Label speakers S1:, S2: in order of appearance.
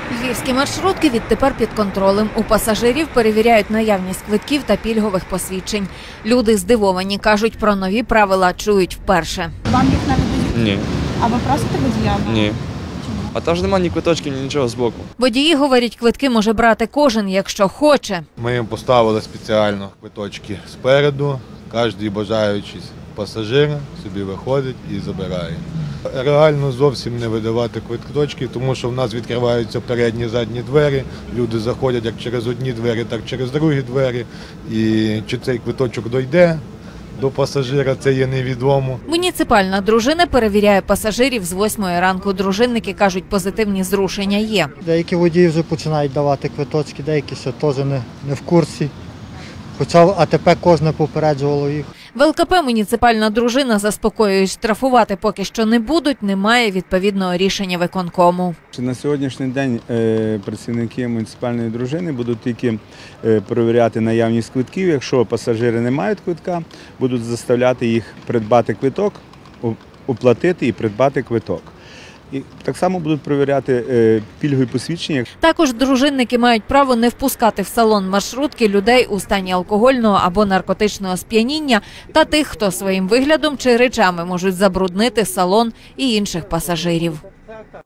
S1: Львівські маршрутки відтепер під контролем. У пасажирів перевіряють наявність квитків та пільгових посвідчень. Люди здивовані, кажуть, про нові правила чують вперше.
S2: Вам їх не видають?
S3: Ні.
S2: А ви просите водія?
S3: Ні. А там ж немає ні квиточків, ні нічого збоку.
S1: Водії говорять, квитки може брати кожен, якщо хоче.
S4: Ми їм поставили спеціально квиточки спереду. Кожен бажаючий пасажир собі виходить і забирає. Реально зовсім не видавати квиточки, тому що в нас відкриваються передні, задні двері. Люди заходять як через одні двері, так і через другі двері. І чи цей квиточок дойде до пасажира, це є невідомо.
S1: Муніципальна дружина перевіряє пасажирів з 8 ранку. Дружинники кажуть, позитивні зрушення є.
S5: Деякі водії вже починають давати квиточки, деякі ще теж не в курсі. Хоча АТП кожне попереджувало їх.
S1: В ЛКП муніципальна дружина заспокоює, штрафувати поки що не будуть, немає відповідного рішення виконкому.
S6: На сьогоднішній день працівники муніципальної дружини будуть тільки перевіряти наявність квитків. Якщо пасажири не мають квитка, будуть заставляти їх придбати квиток, оплатити і придбати квиток. І так само будуть перевіряти пільгові посвідчення.
S1: Також дружинники мають право не впускати в салон маршрутки людей у стані алкогольного або наркотичного сп'яніння та тих, хто своїм виглядом чи речами можуть забруднити салон і інших пасажирів.